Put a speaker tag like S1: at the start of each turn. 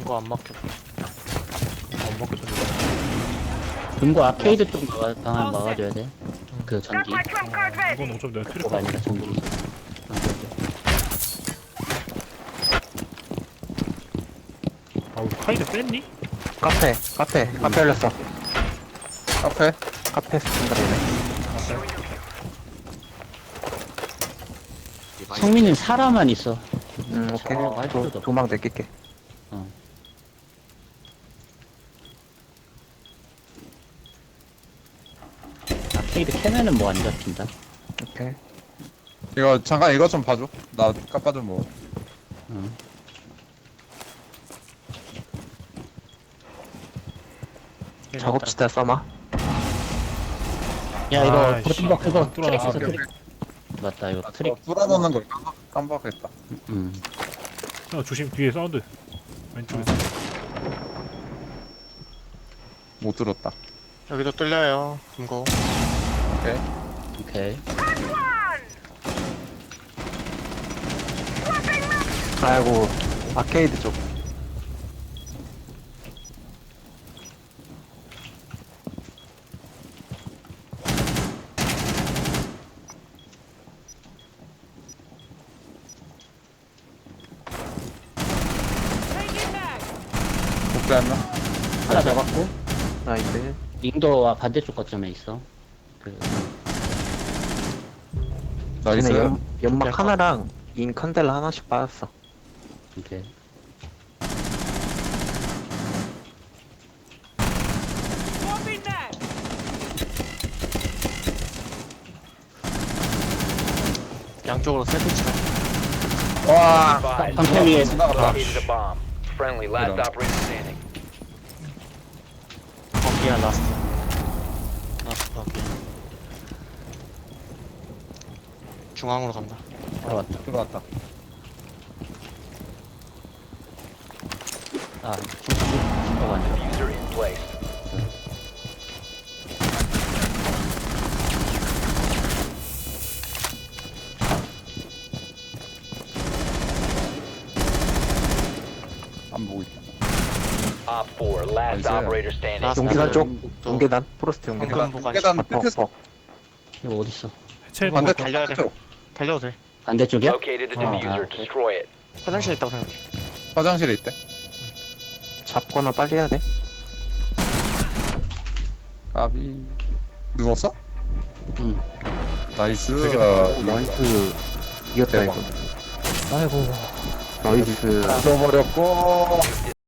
S1: 금고 안 막혔다.
S2: 안 먹겠다.
S3: 금고 아케이드 쪽 방안 막아줘야 돼. 그 전기.
S2: 이건 어차피 내가 필요
S3: 그거가 아니라 전기.
S2: 아우 카이드 뺐니?
S4: 카페 열렸어. 카페 스탠다드네.
S3: 성민이 사람만 있어.
S4: 오케이.
S3: 할 필요도 없어.
S4: 도망 내낄게.
S3: 아케이드 캐면은 뭐 안 잡힌다.
S4: 오케이.
S5: 이거 잠깐 이거 좀 봐줘. 나 깜빡 좀 뭐.
S3: 응.
S4: 작업지대 써마.
S3: 야 이거
S2: 아이씨,
S3: 버튼박 그거
S2: 안 뚫어놨어.
S3: 트릭 있어 트릭. 맞다 이거 트릭.
S5: 뚫어놓는 걸 깜빡했다.
S2: 야, 조심 뒤에 사운드. 왼쪽에서.
S5: 못 들었다.
S1: 여기도 뚫려요. 금고.
S3: 오케이.
S4: 아이고 아케이드 쪽.
S5: 복사했나?
S3: 하나 잡았고
S4: 나이스.
S3: 링도와 반대쪽 거점에 있어. 그
S5: 나이스.
S4: 쟤네 연막 하나랑 인 컨델라 하나씩 빠졌어.
S3: 오케이.
S1: 양쪽으로 세 대치가.
S5: 와.
S3: 방패 위에
S5: 지나갔다.
S6: Located a bomb. Friendly, last
S5: Hold on.
S6: operator standing.
S1: 거기야 라스트. 라스트 거기야. 중앙으로 간다.
S3: 들어왔다.
S5: 들어갔다.
S3: 아 중도가 아니라.
S6: User in place.
S5: 안 보고 있다.
S6: Op 4, last
S5: Nice.
S6: operator standing.
S1: Last
S4: 용계단 쪽.
S1: 또
S4: 용계단. 프로스트 용계단.
S1: 방금 보관.
S5: 계단 끝에서
S3: 이거 어딨어?
S2: 해체.
S5: 반대
S1: 달려야 돼.
S5: 쪽.
S1: 달려도 돼.
S3: 반대쪽이야?
S6: Located the
S2: Oh,
S6: diffuser.
S3: okay.
S6: Destroy it.
S1: 화장실에 있다고 생각해.
S5: 화장실에 있대.
S4: 잡거나 빨리 해야 돼.
S5: 까비. 누웠어?
S3: 응.
S5: 나이스.
S4: 나이스. 이겼다
S5: 대박.
S4: 이거. 아이고. 나이스.
S5: 죽어버렸고.